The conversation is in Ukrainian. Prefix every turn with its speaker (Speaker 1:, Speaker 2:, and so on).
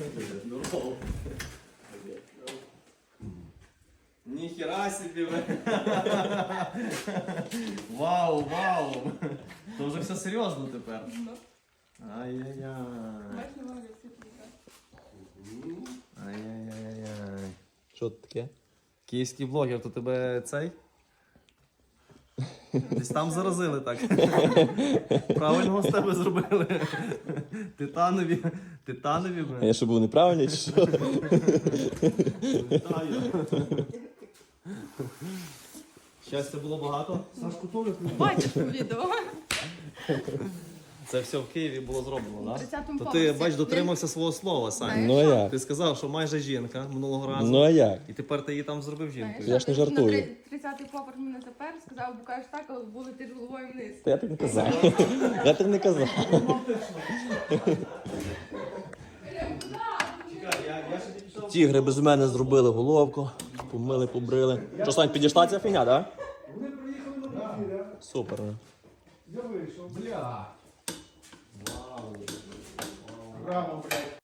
Speaker 1: Здорово. Ніхера собі ви. Вау, вау. То вже все серйозно тепер. Ай-яй-яй. Ай-яй-яй-яй.
Speaker 2: Що це таке?
Speaker 1: Київський блогер, то тебе цей? Десь там заразили так. Правильного з тебе зробили. Титанові. Титанові
Speaker 2: А я що був неправильний чи що?
Speaker 1: Вітаю. Щастя було багато.
Speaker 3: Сашку Толік.
Speaker 4: Бачиш по відео.
Speaker 1: Це все в Києві було зроблено,
Speaker 4: На
Speaker 1: так?
Speaker 4: 30-му
Speaker 1: То ти,
Speaker 4: поверсі.
Speaker 1: бач, дотримався свого слова, Сань.
Speaker 2: Ну а як?
Speaker 1: Ти сказав, що майже жінка минулого разу.
Speaker 2: Ну а як?
Speaker 1: І тепер ти її там зробив жінкою.
Speaker 2: Я ж не жартую.
Speaker 4: 30-й поверх мене запер, сказав, бо кажеш так, але були ти головою вниз.
Speaker 2: Та я так не казав. Я так не казав. Тігри без мене зробили головку, помили, побрили. Що, Сань, підійшла ця фігня, так?
Speaker 3: Вони приїхали на подвір'я.
Speaker 2: Супер.
Speaker 3: Я вийшов.
Speaker 1: Бля.
Speaker 3: Браво, блядь.